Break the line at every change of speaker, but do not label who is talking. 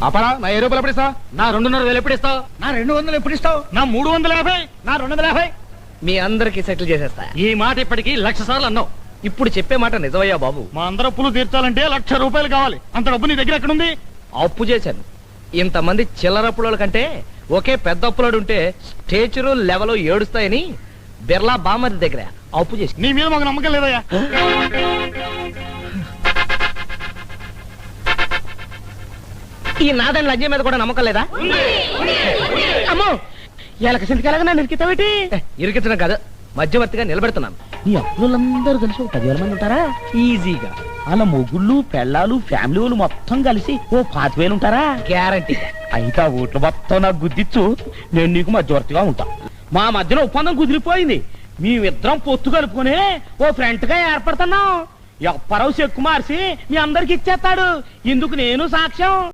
అపరా నా 1000 రూపాయలు ఎప్పుడు ఇస్తావు?
నా 2,500 ఎప్పుడు ఇస్తావు?
నా 200 ఎప్పుడు ఇస్తావు?
నా 350.
నా 250.
మీ అందరికి సెటిల్ చేసేస్తా.
ఈ మాట ఇప్పటికి 1,00,000 సార్లు అన్నావు.
ఇప్పుడు చెప్పే మాట నిజమయ్యా బాబు.
మా అందరూ అప్పులు తీర్చాలంటే 1,00,000 రూపాయలు కావాలి. అంత డబ్బు నీ దగ్గర ఎక్కడుంది?
అప్పు చేశాను. ఇంతమంది చిల్లరప్పుల కంటే ఒకే పెద్ద అప్పులాడు ఉంటే స్టేచరు లెవెల్ ఏడుస్తాయని బిర్లా బామ్మది దగ్గర అప్పు చేసి.
నీ మీద మాకు నమ్మకం లేదయ్యా.
ఈ నాదని లంజ మీద కూడా నమ్మకం లేదా? అమ్మో ఎలక సింటికెలాగా నన్ను ఇరికితావేటి? ఇరికించడం కాదు, మధ్యవర్తిగా నిలబెడుతున్నాను.
నీ అప్పులందరూ కలిసి 10,000 మంది ఉంటారా?
ఈజీగా
అలా మొగుళ్ళు పెళ్ళాలు ఫ్యామిలీ వాళ్ళు మొత్తం కలిసి 5,000 ఉంటారా?
గ్యారంటీ.
అయితే ఆ ఓట్లు మొత్తం నాకు గుద్దిచ్చు, నేను నీకు మధ్యవర్తిగా ఉంటా. మా మధ్యలో ఒప్పందం కుదిరిపోయింది. మేమిద్దరం పొత్తు కలుపుకొని ఓ ఫ్రెంట్ గా ఏర్పడుతున్నాం. ఎప్పరావు చెక్కు మార్చి మీ అందరికి ఇచ్చేస్తాడు. ఇందుకు నేను సాక్ష్యం.